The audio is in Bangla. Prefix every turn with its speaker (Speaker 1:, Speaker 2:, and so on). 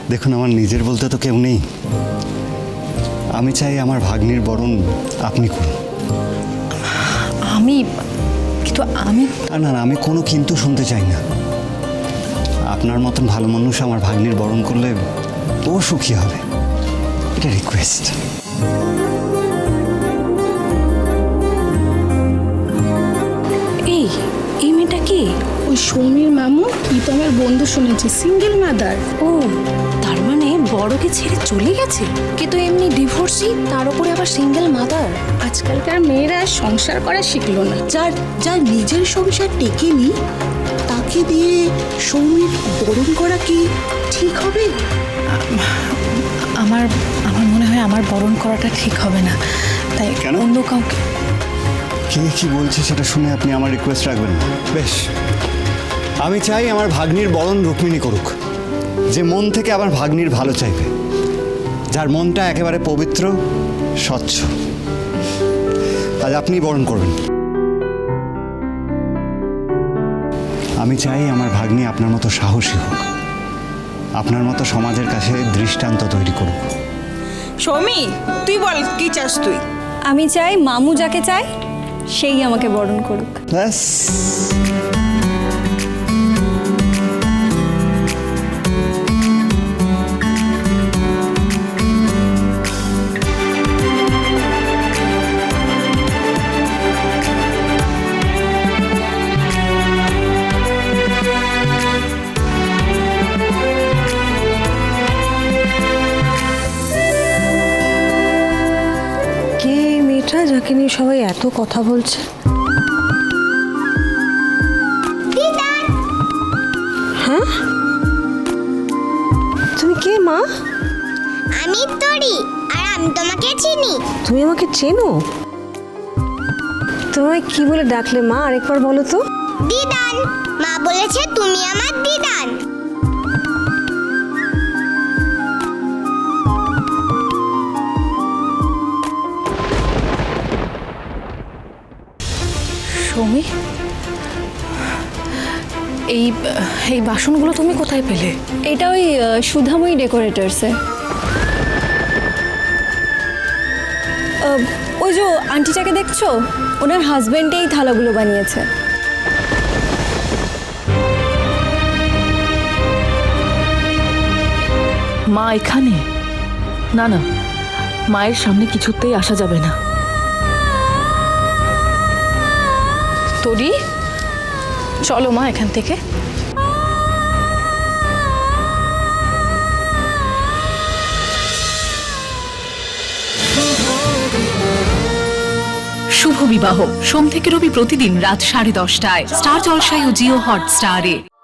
Speaker 1: দেখুন, আমার নিজের বলতে তো কেউ নেই। আমি চাই আমার ভাগ্নির বরণ আপনি করুন।
Speaker 2: কিন্তু আমি
Speaker 1: না না, আমি কোনো কিন্তু শুনতে চাই না। আপনার মতন ভালো মানুষ আমার ভাগ্নির বরণ করলে ও সুখী হবে, এটা রিকোয়েস্ট।
Speaker 2: এই মেয়েটা কি?
Speaker 3: ওই সৌমির মামু প্রীতমের বন্ধু, শুনেছি সিঙ্গেল মাদার।
Speaker 2: ও, তার মানে বড়কে ছেড়ে চলে গেছে। কিন্তু এমনি ডিভোর্সি, তার উপরে আবার সিঙ্গেল মাদার।
Speaker 3: আজকালকার মেয়েরা সংসার করা শিখলো না।
Speaker 4: যার নিজের সংসার টেকেনি তাকে দিয়ে সৌমির বরণ করা কি ঠিক হবে?
Speaker 2: আমার মনে হয় আমার বরণ করাটা ঠিক হবে না, তাই
Speaker 1: কেন?
Speaker 2: অন্য কাউকে।
Speaker 1: কে কি বলছে সেটা শুনে আপনি আমার রিকোয়েস্ট রাখবেন না। বেশ, আমি চাই আমার ভাগ্নির বরণ রুক্মিণী করুক, যে মন থেকে আমার ভাগ্নির ভালো চাইবে, যার মনটা একেবারে পবিত্র স্বচ্ছ। আজ আপনি বরণ করবেন। আমি চাই আমার ভাগ্নি আপনার মতো সাহসী হোক, আপনার মতো সমাজের কাছে দৃষ্টান্ত তৈরি করুক।
Speaker 5: সৌমি, তুই বল কি চাস তুই?
Speaker 6: আমি চাই মামু যাকে চায় সেই আমাকে বরণ করুক।
Speaker 1: ব্যাস।
Speaker 7: কে এই মেয়েটা যাকে নিয়ে সবাই এত কথা বলছে? হ্যাঁ, তুমি কে মা?
Speaker 8: আমি তোরি, আর আমি তোমাকে চিনি।
Speaker 7: তুমি আমাকে চেনো? তোমায় কি বলে ডাকলে মা? আরেকবার বলো তো।
Speaker 8: দিদান, মা বলেছে তুমি আমার দিদান।
Speaker 2: সৌমি, এই বাসনগুলো তুমি কোথায় পেলে?
Speaker 6: এটা ওই সুধাময়ী ডেকোরেটার্সে। ওই যে আন্টিটাকে দেখছো, ওনার হাজবেন্ড এই থালাগুলো বানিয়েছে।
Speaker 5: মা এখানে? না না, মায়ের সামনে কিছুতেই আসা যাবে না।
Speaker 2: তোরি, চলো মা এখান থেকে।
Speaker 9: শুভ বিবাহ সোম থেকে রবি প্রতিদিন রাত 10:30টায় স্টার জলসায় ও জিও হটস্টারে।